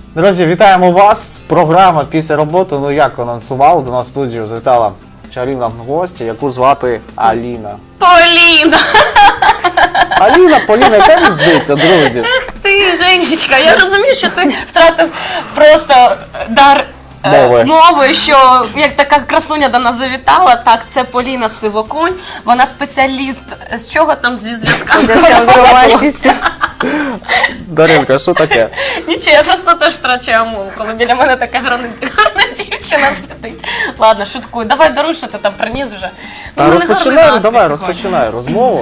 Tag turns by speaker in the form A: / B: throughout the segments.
A: Друзі, вітаємо вас. Програма «Після роботи», ну як анонсували, до нас в студію завітала чарівна гостя, яку звати Аліна.
B: Поліна!
A: Аліна, Поліна, яка різниця, друзі?
B: Ти, Женечка, я розумію, що ти втратив просто дар мови, що як така красуня до нас завітала, так, це Поліна Сивоконь, вона спеціаліст, з чого там, зі зв'язками з громадськістю.
A: Даринка, що таке?
B: Нічого, я просто теж втрачаю мову, коли біля мене така гарна дівчина сидить. Ладно, шуткую, давай даруй, що ти там приніс вже.
A: Та розпочинай, давай, розпочинай розмову.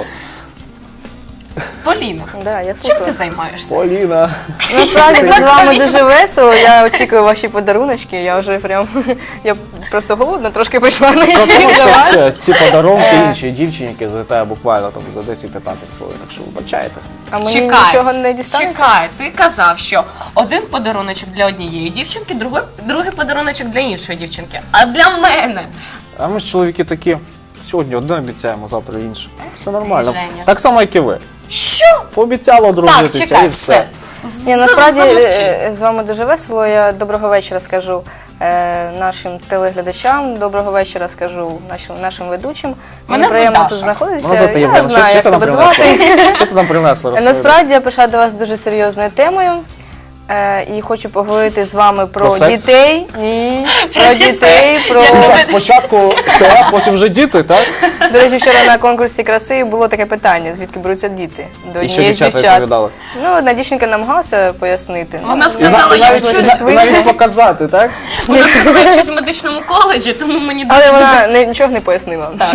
B: Поліна,
C: Да, я
B: чим
C: слухаю.
B: ти займаєшся?
A: Поліна.
C: Насправді з вами дуже весело, я очікую ваші подаруночки, я вже прям, я просто голодна, трошки прийшла на
A: Про
C: ефір
A: те,
C: до
A: що
C: вас.
A: ці подарунки іншій дівчині, які залітає буквально там за 10-15 хвилин, так що вибачайте.
C: А мені нічого не дістанеться?
B: Чекай, ти казав, що один подаруночок для однієї дівчинки, другий подаруночок для іншої дівчинки. А для мене?
A: А ми ж чоловіки такі, сьогодні одне обіцяємо, завтра інше. Все нормально.
B: Женя.
A: Так само, як і ви.
B: Що?
A: Пообіцяли
B: Так,
A: одружитися
B: чекай,
A: і все.
C: Ні, насправді
B: Замовчи.
C: з вами дуже весело, я доброго вечора скажу нашим телеглядачам, доброго вечора скажу нашим ведучим.
B: Мене
C: Мені приємно
B: звуть
C: тут
B: Даша.
C: знаходитися,
A: Вона звати
C: я
A: Євгена.
C: знаю, як
A: ти нам
C: тебе
A: принесла?
C: звати.
A: Що ти нам принесла? Розповідай.
C: Насправді я прийшла до вас з дуже серйозною темою. І хочу поговорити з вами
A: Про
C: про
A: секс?
C: дітей. Ні, про дітей, про...
A: Ну так, спочатку те, а потім вже діти, так?
C: До речі, вчора на конкурсі краси було таке питання, звідки беруться діти. До
A: І що
C: однієї з
A: дівчата
C: дівчат.
A: відповідали?
C: Ну, одна дівчинка намагалася пояснити.
B: Вона
C: Ну,
B: сказала,
A: І
B: я
A: навіть,
B: вчусь
A: і навіть показати, так?
B: вона сказала, я вчусь в медичному коледжі, тому мені
C: але вона нічого не пояснила.
B: Так.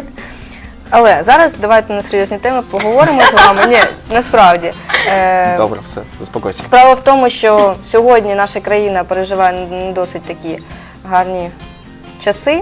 C: Але зараз давайте на серйозні теми поговоримо з вами. Ні, насправді.
A: Добре, все, заспокойся.
C: Справа в тому, що сьогодні наша країна переживає не досить такі гарні часи.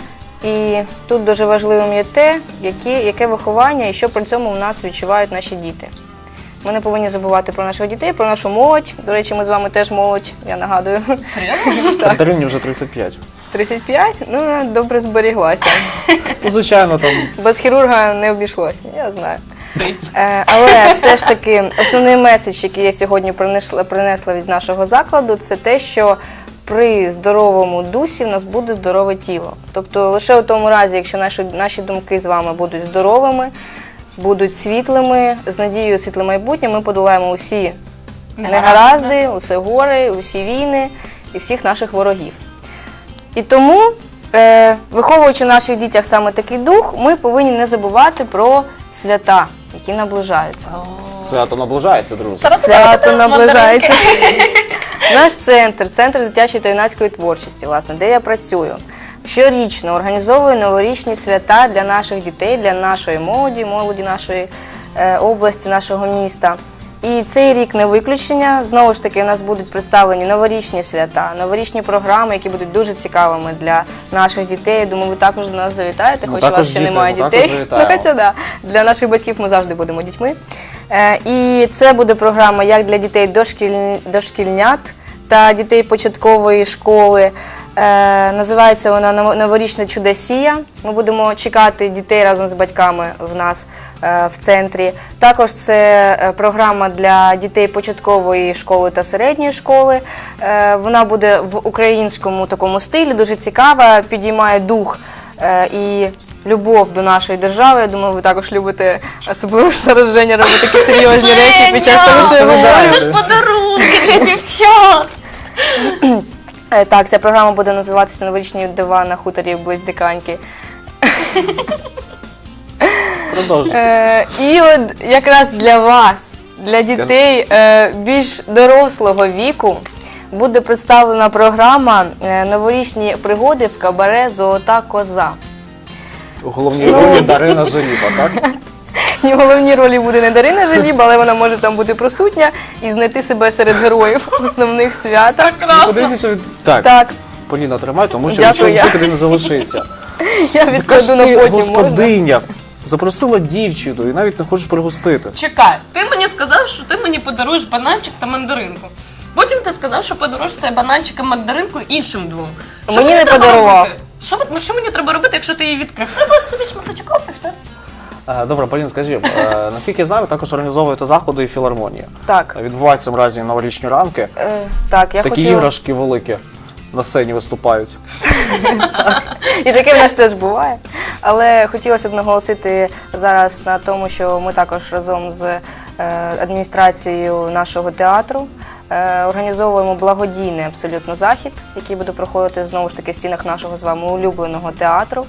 C: І тут дуже важливим є те, яке виховання і що при цьому в нас відчувають наші діти. Ми не повинні забувати про наших дітей, про нашу молодь. До речі, ми з вами теж молодь, я нагадую.
B: Серйозно?
A: Так. Дарині вже 35.
C: 35? Ну, вона добре зберіглася.
A: Ну, звичайно, там
C: Без хірурга не обійшлося, я знаю.
B: Сить.
C: Але все ж таки основний меседж, який я сьогодні принесла від нашого закладу, це те, що при здоровому дусі в нас буде здорове тіло. Тобто лише у тому разі, якщо наші думки з вами будуть здоровими, будуть світлими, з надією світле майбутнє, ми подолаємо усі негаразди, усі гори, усі війни і всіх наших ворогів. І тому, виховуючи в наших дітях саме такий дух, ми повинні не забувати про свята, які наближаються.
A: свято наближається, друзі.
C: Свято наближається. Наш центр дитячої та юнацької творчості, власне, де я працюю, щорічно організовує новорічні свята для наших дітей, для нашої молоді нашої області, нашого міста. І цей рік не виключення. Знову ж таки, у нас будуть представлені новорічні свята, новорічні програми, які будуть дуже цікавими для наших дітей. Думаю, ви також до нас завітаєте, хоч у
A: також
C: вас ще
A: діти,
C: немає
A: ми також
C: дітей.
A: завітаємо.
C: Хоча, да, для наших батьків ми завжди будемо дітьми. І це буде програма як для дітей дошкільнят та дітей початкової школи. Називається вона «Новорічна чудосія». Ми будемо чекати дітей разом з батьками в нас в центрі. Також це програма для дітей початкової школи та середньої школи. Вона буде в українському такому стилі, дуже цікава, підіймає дух і любов до нашої держави. Я думаю, ви також любите, особливо ж зараз Женя робить такі серйозні речі під час того, що я говорю.
B: Це ж подарунки для дівчат.
C: Так, ця програма буде називатися «Новорічні дива на хуторі близь Диканьки».
A: Продовжуй.
C: І от якраз для вас, для дітей більш дорослого віку, буде представлена програма «Новорічні пригоди в кабаре «Золота коза».
A: У головній ролі Дарина Желіба, так?
C: І в головній ролі буде не Дарина Желіба, але вона може там бути присутня і знайти себе серед героїв основних свят.
A: Подивіться, що Так,
C: Так,
A: Поліна, тримай, тому що
C: Дякую,
A: нічого
C: я.
A: тобі не залишиться.
C: я
A: Яка ж
C: відкладу на
A: ти,
C: потім, можна?
A: господиня, запросила дівчину і навіть не хочеш пригостити.
B: Чекай, ти мені сказав, що ти мені подаруєш бананчик та мандаринку. Потім ти сказав, що подаруєш цей бананчик і мандаринку іншим двом. Що
C: Мені не
B: треба
C: подарував.
B: робити? Що мені треба робити, якщо ти її відкрив? Треба собі шматочок і все.
A: Добре, Поліна, скажіть, наскільки я знаю, ви також організовуєте заходи і філармонії.
C: Так,
A: Відбуваються наразі новорічні ранки.
C: так, я
A: Такі
C: хочу...
A: іграшки великі на сцені виступають.
C: І таке в нас теж буває. Але хотілося б наголосити зараз на тому, що ми також разом з адміністрацією нашого театру організовуємо благодійний абсолютно захід, який буде проходити знову ж таки в стінах нашого з вами улюбленого театру.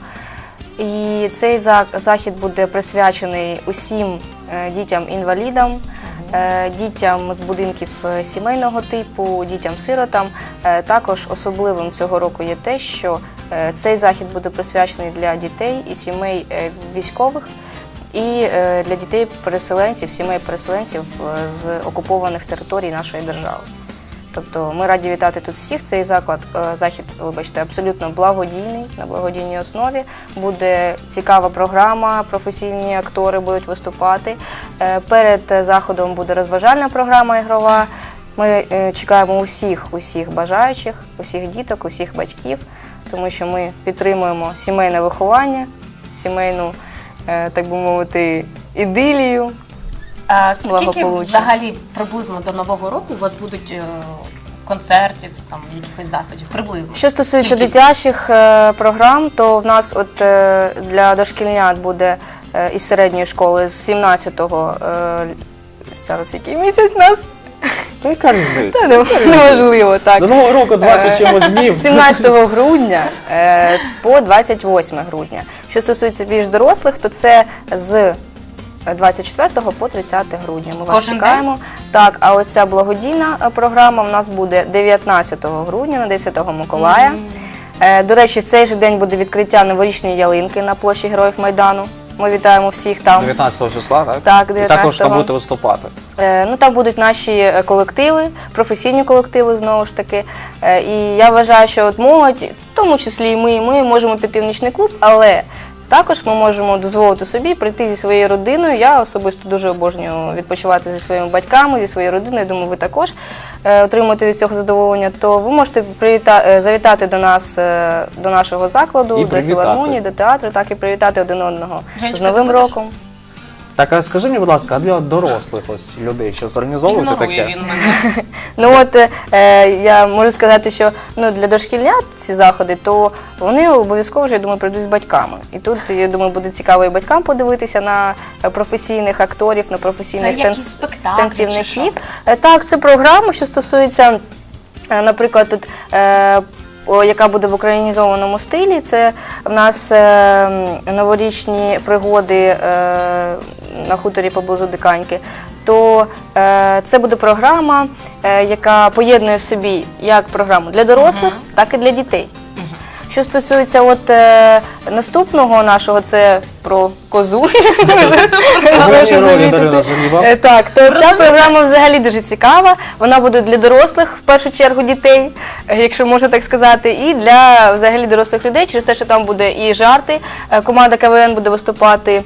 C: І цей захід буде присвячений усім дітям-інвалідам, дітям з будинків сімейного типу, дітям-сиротам. Також особливим цього року є те, що цей захід буде присвячений для дітей і сімей військових, і для дітей-переселенців, сімей переселенців з окупованих територій нашої держави. Тобто ми раді вітати тут всіх. Цей захід, вибачте, абсолютно благодійний, на благодійній основі. Буде цікава програма, професійні актори будуть виступати. Перед заходом буде розважальна програма ігрова. Ми чекаємо усіх бажаючих, усіх діток, усіх батьків, тому що ми підтримуємо сімейне виховання, сімейну, так би мовити, ідилію.
B: Скільки
C: Благополуччя.
B: взагалі приблизно до Нового року у вас будуть концертів, там, якихось заходів? Приблизно.
C: Що стосується
B: Кількість?
C: дитячих програм, то в нас от для дошкільнят буде із середньої школи з 17-го, зараз який місяць у нас?
A: Та яка різниця?
C: Неважливо, так.
A: До Нового року 20 чимось днів.
C: З 17 грудня по 28 грудня. Що стосується більш дорослих, то це з 24 по 30 грудня. Ми вас
B: Кожен
C: чекаємо. Так, а оця благодійна програма в нас буде 19 грудня на 10 Миколая. До речі, в цей же день буде відкриття новорічної ялинки на площі Героїв Майдану. Ми вітаємо всіх там.
A: 19 числа, так?
C: Так,
A: І також
C: 19-го.
A: там будете виступати.
C: Ну, там будуть наші колективи, професійні колективи, знову ж таки. І я вважаю, що от молодь, в тому числі і ми можемо піти в нічний клуб, але також ми можемо дозволити собі прийти зі своєю родиною. Я особисто дуже обожнюю відпочивати зі своїми батьками, зі своєю родиною. Я думаю, ви також отримуєте від цього задоволення. То ви можете завітати до нас, до нашого закладу,
A: І
C: до
A: привітати.
C: філармонії, до театру, так і привітати один одного
B: Женечка,
C: з Новим
B: ти будеш?
C: роком.
A: Так, а скажи мені, будь ласка, а для дорослих ось людей що зорганізовувати
B: Ігнорує
A: таке?
B: він мене.
C: Ну от я можу сказати, що для дошкільнят ці заходи, то вони обов'язково вже, я думаю, прийдуть з батьками. І тут, я думаю, буде цікаво і батькам подивитися на професійних акторів, на професійних
B: Це якісь спектаклі чи
C: танцівників. Так, це програма, що стосується, наприклад, тут яка буде в українізованому стилі. Це в нас новорічні пригоди на хуторі поблизу Диканьки. То це буде програма, яка поєднує в собі як програму для дорослих, так і для дітей. Що стосується наступного нашого, це про козу.
A: Головні ролі Дарина Жаліва.
C: Так, то ця програма взагалі дуже цікава. Вона буде для дорослих, в першу чергу дітей, якщо можна так сказати, і для взагалі дорослих людей, через те, що там буде і жарти. Команда КВН буде виступати.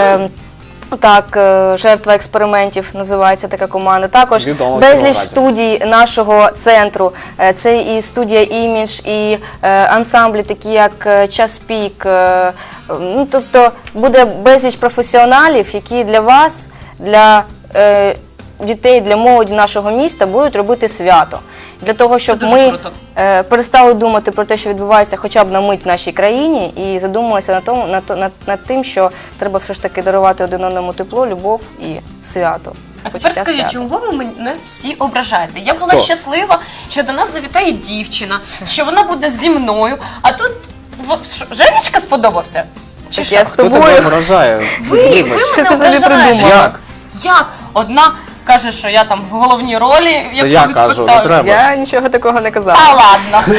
C: Так, жертва експериментів називається така команда. Також
A: Відомо в
C: безліч
A: Кіровограді.
C: студій нашого центру. Це і студія «Імідж», і ансамблі, такі як «Час пік». Ну, тобто буде безліч професіоналів, які для вас, для дітей, для молоді нашого міста будуть робити свято. Для того, щоб
B: дуже
C: ми
B: круто.
C: перестали думати про те, що відбувається хоча б на мить в нашій країні, і задумалися над тим, що треба все ж таки дарувати один одному тепло, любов і свято.
B: А тепер
C: Почуття
B: скажіть,
C: свята.
B: чому ви мене всі ображаєте? Я була
A: Хто?
B: щаслива, що до нас завітає дівчина, що вона буде зі мною, а тут Женечка сподобався? Чи
C: Так
B: що?
C: я з
A: Хто тебе
C: тобою.
A: ображає?
B: Ви
A: Вибач.
C: Що
B: мене
C: це собі
B: ображаєте.
C: придумала?
A: Як?
B: Як? Одна каже, що я там в головній ролі
A: Це я
B: якогось
A: кажу, не
B: спектаклю.
A: треба.
C: Я нічого такого не казала.
B: А ладно.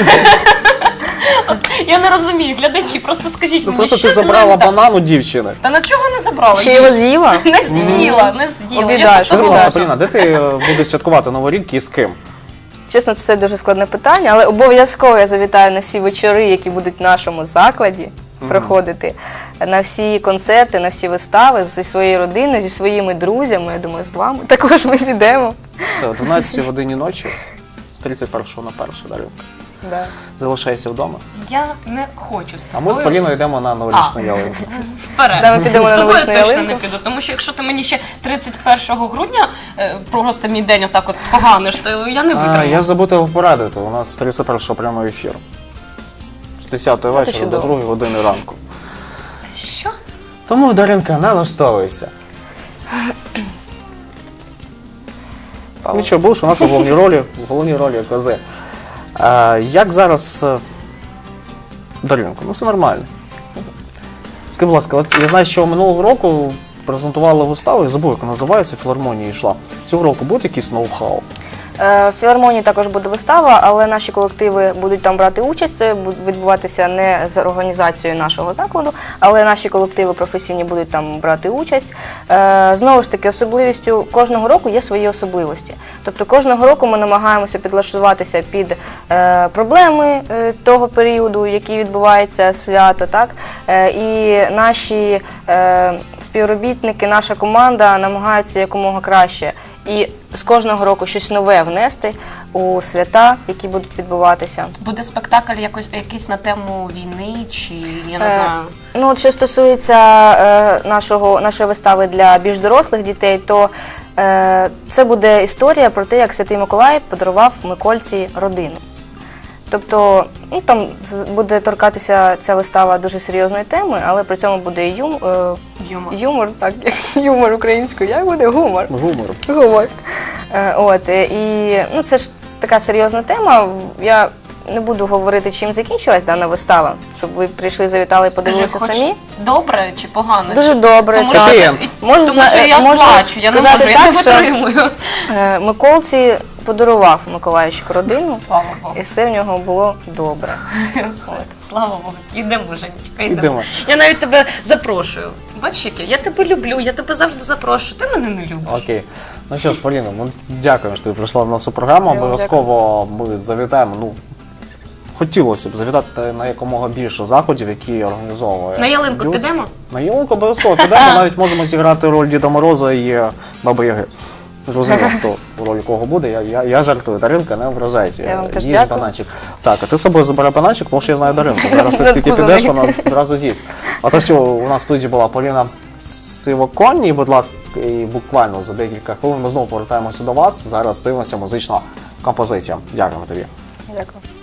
B: От я не розумію, глядачі, просто скажіть
A: Ну
B: мені,
A: просто
B: що
A: ти
B: зі мною
A: забрала
B: не так?
A: банан у дівчини.
B: Та на чого не забрала?
C: Ще його з'їла?
B: Не з'їла, не з'їла.
C: Обідаєш,
B: Я просто
A: Скажи, будь ласка,
C: обідаєш.
A: Поліна, де ти будеш святкувати Новий рік і з ким?
C: Чесно, це дуже складне питання, але обов'язково я завітаю на всі вечори, які будуть в нашому закладі проходити, на всі концерти, на всі вистави зі своєю родиною, зі своїми друзями, я думаю, з вами. Також ми підемо.
A: Все, о 12 годині ночі, з 31 на 1, Даринка.
C: Да.
A: залишайся вдома.
B: Я не хочу з
A: А
B: тобою.
A: ми з Поліною йдемо на новорічну ялинку.
B: Вперед.
C: Да, ми підемо
B: з
C: на
B: тобою
C: новорічну
B: точно
C: ялинку.
B: не піду, тому що якщо ти мені ще 31 грудня просто мій день отак от споганиш, то я не витримаю.
A: Я забув тебе порадити, у нас 31 прямий ефір. З 10 вечора до
C: чудово.
A: 2 години ранку.
B: Що?
A: Тому, Даринка, налаштовуйся. Нічого, будеш у нас у головній ролі кози. Як зараз, Даринко, ну все нормально. Скажи, будь ласка, от я знаю, що минулого року презентували виставу, я забув, як називається, філармонія йшла. Цього року буде якийсь ноу-хау?
C: В філармонії також буде вистава, але наші колективи будуть там брати участь. Це буде відбуватися не з організацією нашого закладу, але наші колективи професійні будуть там брати участь. Знову ж таки, особливістю кожного року є свої особливості. Тобто кожного року ми намагаємося підлаштуватися під проблеми того періоду, який відбувається свято. Так? І наші співробітники, наша команда намагаються якомога краще. І з кожного року щось нове внести у свята, які будуть відбуватися.
B: Буде спектакль якийсь на тему війни, чи я не знаю.
C: Ну, от що стосується нашої вистави для більш дорослих дітей, то це буде історія про те, як Святий Миколай подарував Микольці родину. Тобто, ну, там буде торкатися ця вистава дуже серйозної теми, але при цьому буде і юмор, так, юмор українською, як буде? Гумор. Гумор. От, і ну, це ж така серйозна тема. Я не буду говорити, чим закінчилась дана вистава, щоб ви прийшли, завітали і подивилися
B: Скажи,
C: самі.
B: Добре чи погано?
C: Дуже добре,
B: Тому
C: так.
B: що,
C: Можу
B: тому що я
C: можу
B: плачу, я не
C: сказати
B: можу, я не
C: так, що
B: витримую.
C: Миколці подарував Миколаївчику родину,
B: Слава Богу.
C: і все в нього було добре.
B: Слава Богу. Йдемо, Женечка,
A: Йдемо.
B: йдемо. Я навіть тебе запрошую. Бачиш, яке? Я тебе люблю, я тебе завжди запрошую. Ти мене не любиш.
A: Окей. Ну що ж, Поліно, ми дякуємо, що ти прийшла в нашу програму.
C: Я вам
A: Обов'язково ми завітаємо. Ну, хотілося б завітати на якомога більше заходів, які організовує.
B: На ялинку
A: Люд.
B: підемо?
A: На ялинку обов'язково підемо. Навіть можемо зіграти роль Діда Мороза і Баби Яги. Зрозуміло, хто у ролі кого буде. Я жартую. Даринка, не ображайся.
C: Я вам теж
A: Їж
C: дякую.
A: бананчик. Так, а ти з собою забирай бананчик, тому що я знаю Даринку. Зараз ти тільки підеш, вона одразу з'їсть. А то все, у нас в студії була Поліна Сивоконь, і, будь ласка, і буквально за декілька хвилин ми знову повертаємося до вас. Зараз дивимося музична композиція. Дякуємо тобі.
C: Дякую.